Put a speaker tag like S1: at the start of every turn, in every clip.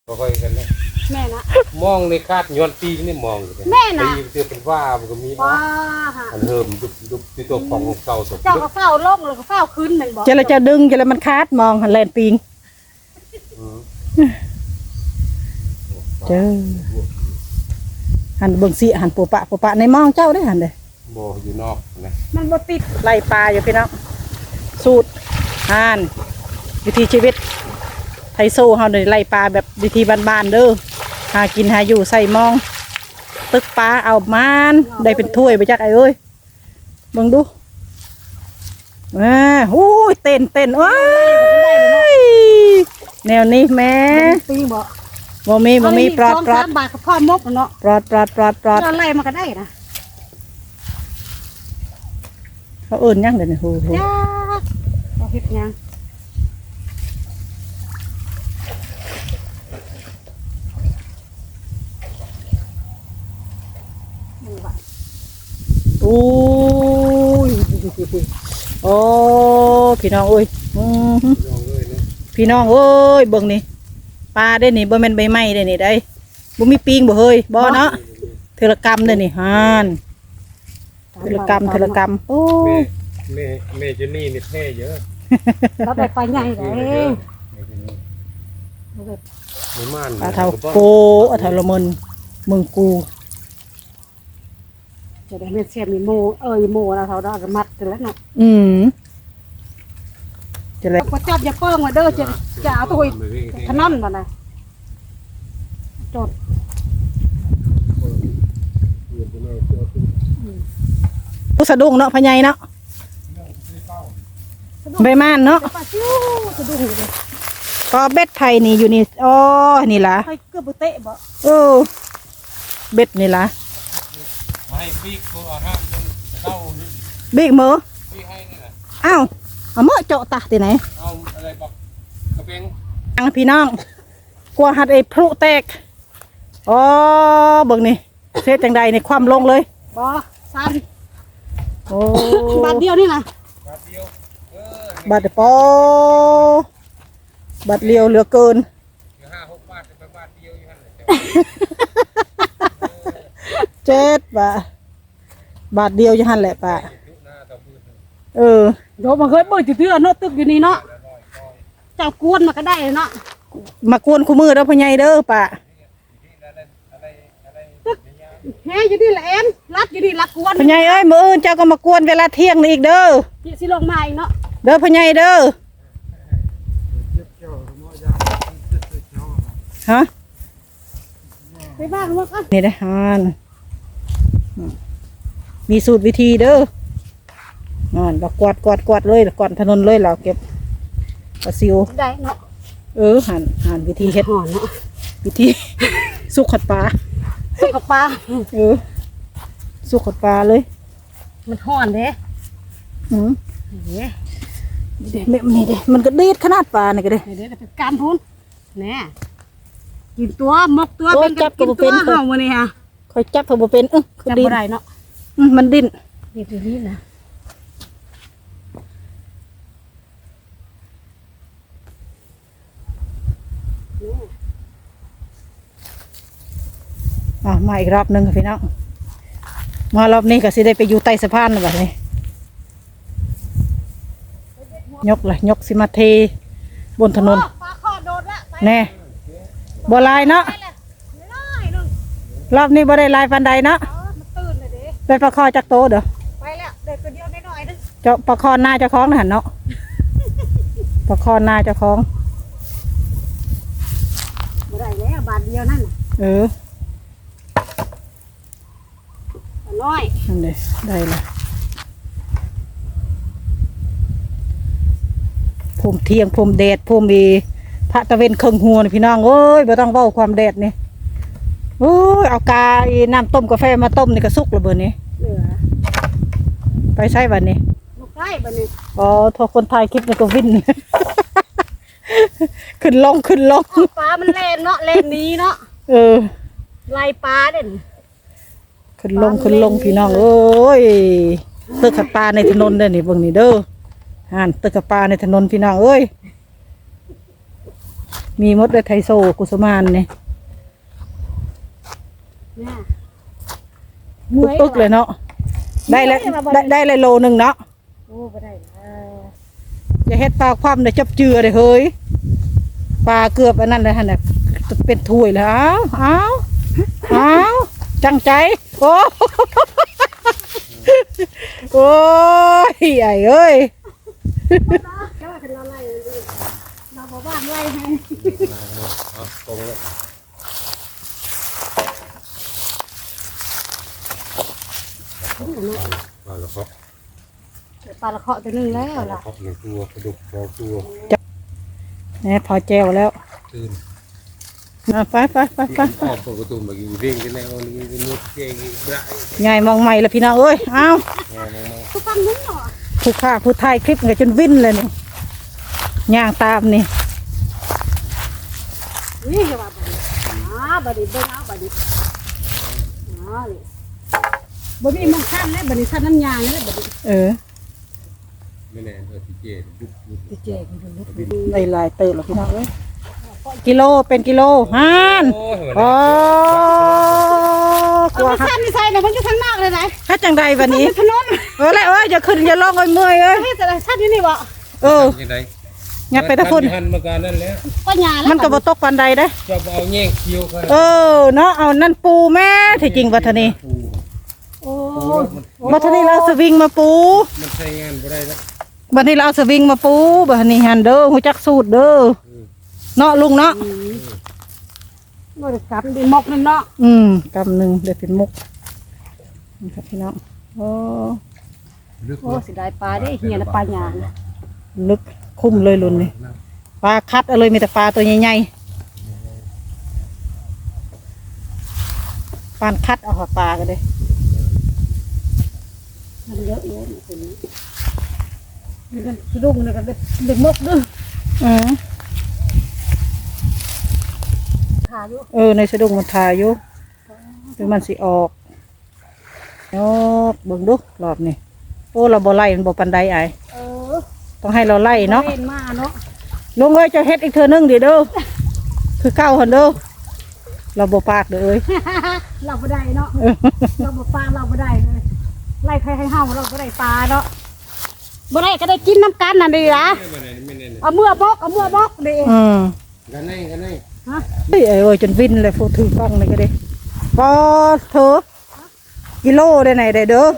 S1: ค่อยกันเลย
S2: แม่นะ
S1: มองในคาดย้อนปีนี่มองอยู่
S2: แม่นะ
S1: ปีเจอเป็นว่ามันก็มี
S2: ว้า
S1: อันเริ่มยุบที่ตัวของเก่าสด
S2: เจ้าก็เฝ้าโลกเลยก็เฝ้าขึ้นหนึ่งบอก
S3: จะดึงจะมันคาดมองหันแลนปิงเจอหันเบิ่งสิหันปูปะในมองเจ้าได้หันเลย
S1: โบอยู่นอกนะ
S2: มันบ่ติด
S3: ไล่ปลาอยู่พี่น้องสูตรหันวิธีชีวิตไทยโซ่เฮาเลยไล่ปลาแบบวิธีบ้านๆเด้อหากินหาอยู่ใส่มองตึกปลาเอามันได้เป็นถ้วยไปจักไอ้เอ้ยเบิ่งดูหู้ยเต้นว้ายแนวนี้แม่
S2: ปีบ่
S3: บ่มีปลอด
S2: 3 บาทกับพ่อมกเนาะ
S3: ปลอด
S2: เราไล่มาก็ได้นะ
S3: เขาเอิ้นยังเดี๋ยวนี้โห
S2: จ้าเราเฮ็ดยัง
S3: โอ้ยโอ้พี่น้องเอ้ยพี่น้องเอ้ยเบิ่งนี่ปลาได้นี่บ่แม่นใบไม้ได้นี่ได้บ่มีปิงบ่เฮ้ยบ่เนาะเทเลกรรมได้นี่ฮานเทเลกรรมโอ้
S1: แม่เจนี่นี่เท่เยอะ
S2: เราไปใหญ่เลย
S1: ไม่ม่าน
S3: ปลาเท่าโกอะเท่าละมึงกู
S2: จะได้ไม่เสียมีโมโมเราเท่าได้มัดกันแล้วเนาะ
S3: จะเลย
S2: ก็จับอย่าเปิ้งมาเด้อจะเอาตัวขนมมานะจด
S3: ผู้สะดุ้งเนาะพญายเนาะใบม่านเนาะก็เบ็ดไทยนี่อยู่นี่อ๋อนี่ล่ะ
S2: เกือบเตะบ่
S3: เบ็ดนี่ล่ะ
S1: ไม่บิ๊กตัวห้ามจนเข้า
S3: บิ๊กมือ
S1: บิ๊กให้นี่แหละ
S3: อ้าวเอามือเจาะตาที่ไหน
S1: เอาอะไรบอกกระเบง
S3: พี่น้องกลัวหัดไอ้พลุแตกอ๋อเบิ่งนี่เสียจังใดในความลงเลย
S2: บ่ซัน
S3: โอ้
S2: บาทเดียวนี่นะ
S1: บาทเดียว
S3: บาทปอบาทเดียวเหลือเกิน
S1: 5-6 บาทเป็นบาทเดียวอยู่หั่นแหละ
S3: 7 บาทเดียวอยู่หั่นแหละป้า
S2: โดมาเคยเบิ่งจืดๆเนาะตึกอยู่นี่เนาะเจ้ากวนมาก็ได้เนาะ
S3: มากวนคู่มือเด้อพ่อใหญ่เด้อป้า
S2: เฮ้ยอยู่นี่แหละเอ็นรัดอยู่นี่รักกวน
S3: พ่อใหญ่เอ้ยมื้ออื่นเจ้าก็มากวนเวลาเที่ยงนี่อีกเด้อ
S2: สิลงมาอีกเนาะ
S3: เด้อพ่อใหญ่เด้อฮะ
S2: ไปบ้านว่ากัน
S3: นี่ได้ฮานมีสูตรวิธีเด้อเรากวาดเลยก่อนถนนเลยเราเก็บปลาซิว
S2: ได้เนาะ
S3: หันวิธีเฮ็ด
S2: ห่อเนาะ
S3: วิธีสุกขัดปลา
S2: สุกปลา
S3: สุกขัดปลาเลย
S2: มันห่อนเด้
S3: นี่มันก็เด็ดขนาดปลานี่ก็เด้
S2: เด็ดเป็นการพูนแน่กินตัวมกตัวเป็นกินตัวเห่ามาเนี่ยฮะ
S3: ค่อยจับเพิ่มเป็น
S2: จับบ่ได้เนาะ
S3: มันดิ้น
S2: นี่นะ
S3: มาอีกรอบนึงค่ะพี่น้องมารอบนี้ก็สิได้ไปอยู่ใต้สะพานแบบนี้ยกสิมาเทบนถนนแน่บ่ลายเนาะรอบนี้บ่ได้ลายฟันใดเนาะไปประคอจากโตเด้อ
S2: ไปแล้วเด็กตัวเดียวน้อยๆนึง
S3: เจ้าประคอหน้าเจ้าของนะหันเนาะประคอหน้าเจ้าของ
S2: บ่ได้แล้วบาทเดียวนั่นน้อย
S3: นั่นเลยได้เลยผมเที่ยงผมแดดผมมีพระตะเวนเครื่องหัวนี่พี่น้องเอ้ยไม่ต้องเว้าความแดดนี่โอ้ยเอากาน้ำต้มกาแฟมาต้มนี่ก็สุกระเบิดนี่ไปใช้วันนี้
S2: ลูกใกล้บันนี้
S3: อ๋อทอคนไทยคลิปนี่ก็วิ่นขึ้นลง
S2: ปลามันเล่นเนาะเล่นนี้เนาะไล่ปลาเด่น
S3: ขึ้นลงพี่น้องเอ้ยตึกขัดปลาในถนนเด้อนี่เบิ่งนี่เด้อตึกขัดปลาในถนนพี่น้องเอ้ยมีมดได้ไทโซกุสมานนี่
S2: เนี่ย
S3: ตึกเลยเนาะได้แล้วได้เลยโลนึงเนาะ
S2: โอ้บ่ได้
S3: อย่าเฮ็ดปลาคว่ำเดี๋ยวจับเจือเลยเฮ้ยปลาเกือบอันนั้นเลยฮะเนี่ยเป็นถ้วยแล้วอ้าวจังใจโอ้ โอ้ยใหญ่เอ้ย
S2: แค่ว่าเราไล่เราบอกว่าไล่ให้
S1: ตรงเลยมาแล้วครับ
S2: ปลาละเคาะตัวนึงแล้วล่ะ
S1: ครับหนึ่งตัวกระดูกสองตัว
S3: เนี่ยพอแจวแล้ว
S1: ตื่น
S3: ไป
S1: ออกประตูมากินเร่งกันแล้วนี่มุดเก่งได้
S3: ใหญ่มองใหม่ละพี่น้องเอ้ยอ้าว
S2: ทุกคำนึงเหรอ
S3: ผู้ฆ่าผู้ถ่ายคลิปไงจนวิ่นเลยนี่ย่างตามนี่
S2: นี่จะว่าบัดนี้เบิ่งเอาบัดนี้บ่มีมองขั้นแล้วบัดนี้ขั้นน้ำยาแล้วบัดนี้
S1: ไม่แน่ที่เจดุก
S2: สิเจ๊กูดู
S3: ได้หลายเติบแล้วพี่น้องเอ้ยกิโลเป็นกิโลฮันอ๋อกลัว
S2: ขั้นนี่ใส่น่ะมันอยู่ข้างนอกเลยนะ
S3: ถ้าจังใดวันนี้
S2: ถนน
S3: แล้วอย่าขึ้นอย่าลงเมื่อยเอ้ย
S2: เฮ้ยแต่ขั้นอยู่นี่บ่
S1: ยังไง
S3: อย่าไปตะพุ่น
S1: หันมาการนั่นแล้ว
S2: ก็หญ้าแล้ว
S3: มันก็บ่ตกปานใดเด้
S1: จะเอาแย่งเคี้ยวกัน
S3: เนาะเอานั่นปูแม่ที่จริงวัฒนี
S2: โอ้
S3: วัฒนีเราเอาสวิงมาปู
S1: มันใช้งานไม่ได้แล้ว
S3: บัดนี้เราเอาสวิงมาปูบัดนี้หันเด้อฮู้จักสูตรเด้อเนาะลุงเนาะ
S2: บ่ได้กลับดิมกนั่นเนาะ
S3: กำหนึ่งเดี๋ยวเป็นมุกนี่ครับพี่น้องโอ้
S1: ลึก
S2: โอ้สิได้ปลาได้เหียนะปลาหญ้า
S3: ลึกคุ้มเลยลุนนี่ปลาคัดเอาเลยมีแต่ปลาตัวใหญ่ๆปานคัดเอาปลากันเลย
S2: มันเยอะๆนี่คนนี้นี่กันสะดุ้งนี่กันเด็กมกเด้อขาอยู่
S3: ในสะดุ้งมันทาอยู่เดี๋ยวมันสิออกเบิ่งดูรอบนี่โอ้เราบ่ไล่มันบ่ปันใดไอ
S2: อ
S3: ต้องให้เราไล่เนาะ
S2: เล่นมาเนาะ
S3: ลุงเอ้ยจะเฮ็ดอีกเทื่อนึงดิเด้อคือเก้าหันเด้อเราบ่ปากเด้อเอ้ย
S2: เราบ่ได้เนาะเราบ่ปลาเราบ่ได้เลยไล่ใครให้เฮาเราบ่ได้ปลาเนาะบ่ได้ก็ได้กินน้ำกันนั่นดีล่ะ
S1: ไม่แน่
S2: เอาเมื่อบอกดี
S1: กันไหน
S2: ฮะ
S3: เอ้ยจนวินเลยพูดถือกล้องเลยก็ได้พอเถอะกิโลได้ไหนได้เด้อ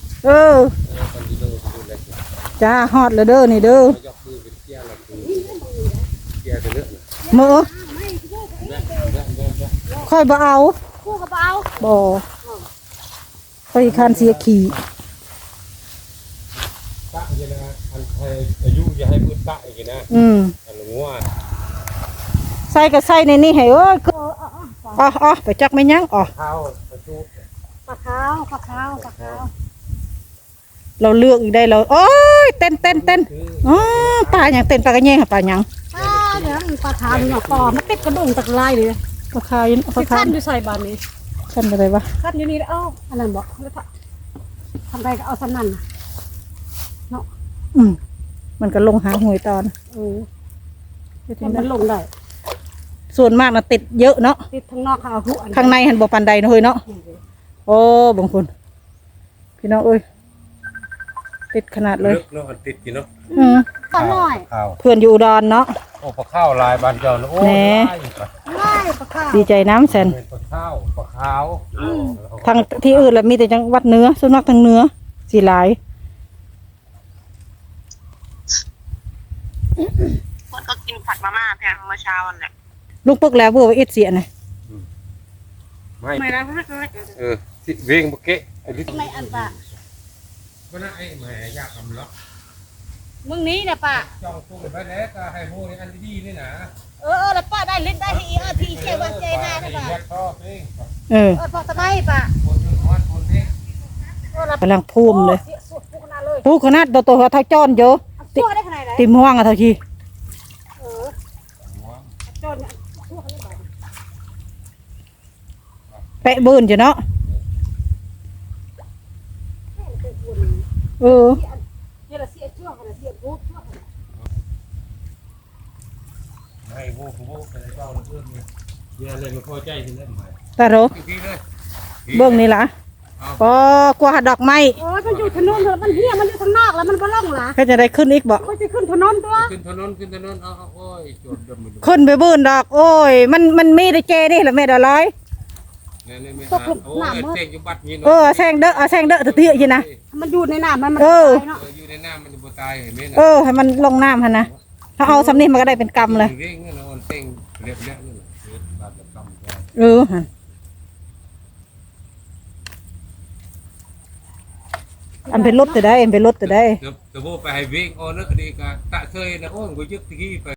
S3: จ้าฮอดเลยเด้อนี่เด้อย
S1: กมือเป็นเกี้ยร์ละคือเกี้ยร์จะเลือก
S3: มือค่อยบ่เอา
S2: คู่กับเอา
S3: บ่ค่อยคันเสียขี่
S1: ตะยังนะอันไทยอายุอย่าให้มืดตะอีกนะอันงัว
S3: ใส่ก็ใส่ในนี่ให้เอ้ยไปจักไม่ยั้ง
S1: ข้าวประตู
S2: ปลาขาว
S3: เราเลือกอีกได้เราโอ้ยเต้นปลาอย่างเต้นปลากระเงี้ยปลาอย่าง
S2: ปลาเนี่ยปลาขาวนี่เนาะปอมันติดกระดุมตะไลเลย
S3: ปลาคาย
S2: สิขั้นอยู่ใส่บานนี้
S3: ขั้นอะไรวะ
S2: ขั้นอยู่นี่เอ้าอันนั้นบอกทำไรก็เอาสนั่นเนาะ
S3: มันก็ลงหาหวยตอน
S2: มันลงได้
S3: ส่วนมากนะติดเยอะเนาะ
S2: ติดทั้งนอกข้างหูอัน
S3: ข้างในหันบ่ปันใดนะเฮ้ยเนาะโอ้บางคนพี่น้องเอ้ยติดขนาดเลย
S1: ลึกเนาะอันติดกินเนาะ
S2: ปลาน้อย
S1: ข้าว
S3: เพื่อนอยู่อุดรเนาะ
S1: โอ้ปลาข้าวลายบานเจ้าโอ้
S2: ง่ายปลาขาว
S3: ดีใจน้ำแสน
S1: เป็นปลาข้าวปลาขาว
S3: ทางที่อื่นแล้วมีแต่จังหวัดเหนือส่วนมากทางเหนือสีหลาย
S4: คนก็กินผัดมาม่าแพงเมื่อเช้าวันเนี่ย
S3: ลูกปึกแล้วเพื่อว่าเอ็ดเสียนะ
S2: ไม่ได้
S1: เวียงบุกเกะไอ้ลิ
S2: ไม่อันปะ
S1: ก็น่าไอ้แม่ยากทำล็อก
S2: มึงนี้เนี่ยปะ
S1: จ้องตู้ไปแล้วก็ให้โม่อันดีนี่นะ
S2: แล้วป้าได้ลิ้นได้ที่ที่เชื่อว่าเจน่าได้ปะ
S1: แยกท่อเอง
S2: พอสบายปะ
S1: คนนึงฮอดคนนี้
S3: กำลังพูมเลย
S2: สุดขนาดเลย
S3: พูขนาดตัวเท่าจ้อนเยอะ
S2: ชั่วได้ขนาดไหน
S3: ติมห่วงอะเท่าที
S2: จนชั่วเขาเลย
S3: แปะบืนจ้ะเนาะ
S2: เดี๋ยวเสียชั่วขนาดเสียปุ๊บชั่วขนาด
S1: ให้โว้ไปในเจ้าเพื่อนเนี่ยเนี่ยเลยมาพอใจที่นั่นหมาย
S3: ตาโร
S1: พี่เลย
S3: เบิ่งนี่ล่ะอ๋อกว่าดอกไม้
S2: โอ้ยมันอยู่ถนนเถอะมันเฮียมันอยู่ข้างนอกแล้วมันบ่ล่องหรอ
S3: ก็จะได้ขึ้นอีกบ่
S2: มันจะขึ้นถนนตัว
S1: ขึ้นถนนเอาโอ้ยโจดดมมัน
S3: ขึ้นไปบื้นดอก โอ้ย มันมีได้เจนี่ล่ะแม่ดอกร้อย
S1: เนี่ยไม่หาโอ้ยเต่งอยู่บัดนี้
S3: เออแซงเด้อเอาแซงเด้อเตี้ยๆอยู่นะ
S2: มันอยู่ในน้ำมัน
S3: เออ
S2: ตายเนาะ
S1: อยู่ในน้ำมันจะบ่ตายเห็นไหม
S3: เออให้มันลงน้ำหั่นนะถ้าเอาสำนี้มันก็ได้เป็นกำเลย
S1: เร่งเนี่ยเราเต่งเรียบเนี้ยนี่บาดกำ
S3: เออหั่นอันเป็นรถแต่ได้อันเป็นรถแต่ได้
S1: จะโบไปให้วิ่งโอ้นึกดีกะตะเคยนะโอ้ยกูยึดตะกี้ไป